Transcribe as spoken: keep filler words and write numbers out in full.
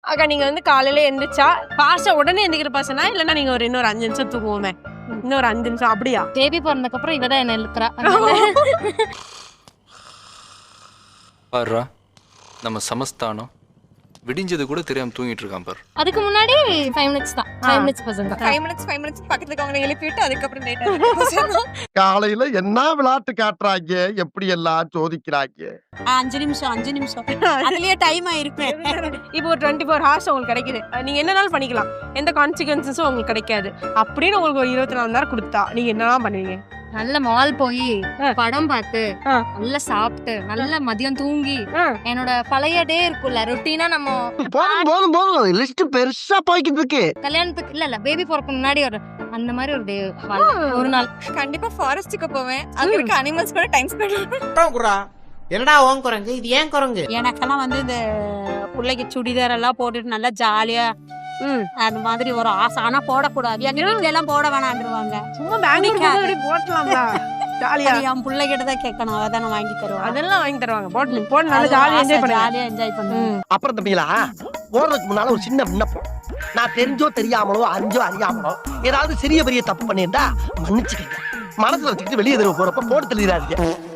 அக்கா நீங்க வந்து காலையில எந்திரிச்சா பாச உடனே எந்திரிக்கிற பாசனா இல்லன்னா நீங்க ஒரு இன்னொரு அஞ்சு நிமிஷம் தூங்குவோமே இன்னொரு அஞ்சு நிமிஷம் அப்படியா? பேபி பிறந்ததுக்கு அப்புறம் இவதான் என்ன இழுக்கிறா. பாருடா நம்ம சமஸ்தானம் விடிஞ்சது கூட தெரியாம தூங்கிட்டு இருக்கான் பாரு. அதுக்கு முன்னாடி ஃபைவ் மினிட்ஸ் தான். ஃபைவ் மினிட்ஸ் பசங்க ஃபைவ் மினிட்ஸ் ஃபைவ் மினிட்ஸ் பக்கத்துல இருக்கவங்களை எழுப்பி விட்டு அதுக்கப்புறம் லேட்டா காலையில என்ன விளையாட்டு காட்டுறாங்க, எப்படி எல்லாம் சோதிக்கிறாங்க. அஞ்சு நிமிஷம் அஞ்சு நிமிஷம் அதுலயே டைம் ஆயிருப்பேன். இப்போ ஒரு டுவெண்ட்டி ஃபோர் ஹவர்ஸ் உங்களுக்கு கிடைக்குது. நீங்க என்னனாலும் பண்ணிக்கலாம், எந்த கான்சிக்வன்சஸும் உங்களுக்கு கிடைக்காது. அப்படின்னு உங்களுக்கு ஒரு இருபத்தி நாலு மணி நேரம் கொடுத்தா நீங்க என்னெல்லாம் பண்ணுவீங்க? நல்ல மால் போய் படம் பார்த்து நல்லா சாப்பிட்டு நல்ல மதியம் தூங்கி என்னோட பழைய டே இருக்குல்ல ரொட்டீனா நம்ம போதும் போதும் போதும் லிஸ்ட் பெருசா போய்கிட்டு இருக்கு. கல்யாணத்துக்கு இல்ல இல்ல பேபி பிறக்க முன்னாடி ஒரு அந்த மாதிரி ஒரு டே ஒரு நாள் கண்டிப்பா ஃபாரஸ்ட்டுக்கு போவேன். அங்க இருக்க அனிமல்ஸ் கூட டைம் ஸ்பெண்ட். என்னடா ஓன் குரங்கு இது ஏன் குரங்கு? எனக்கெல்லாம் வந்து இந்த பிள்ளைக்கு சுடிதார் எல்லாம் போட்டுட்டு நல்லா ஜாலியா அந்த மாதிரி ஒரு ஆசை. ஆனா போடக்கூடாது, எங்க வீட்டுல எல்லாம் போட வேணான்றுவாங்க. சும்மா பெங்களூர் போட்டலாம்ல ஜாலியா. என் பிள்ளை கிட்டதான் கேட்கணும், அவதானே வாங்கி தருவாங்க. அதெல்லாம் வாங்கி தருவாங்க. போட்டு போட்டு நல்லா ஜாலியா என்ஜாய் பண்ணுங்க. ஜாலியா என்ஜாய் பண்ணுங்க. அப்புறம் தம்பிங்களா போறதுக்கு முன்னால ஒரு சின்ன விண்ணப்பம். நான் தெரிஞ்சோ தெரியாமலோ அறிஞ்சோ அறியாமலோ ஏதாவது சிறிய பெரிய தப்பு பண்ணிருந்தா மன்னிச்சுக்கங்க. மனசுல வச்சுக்கிட்டு வெளியே தருவ போறப்ப போட்டு தெளிறாதீங்க.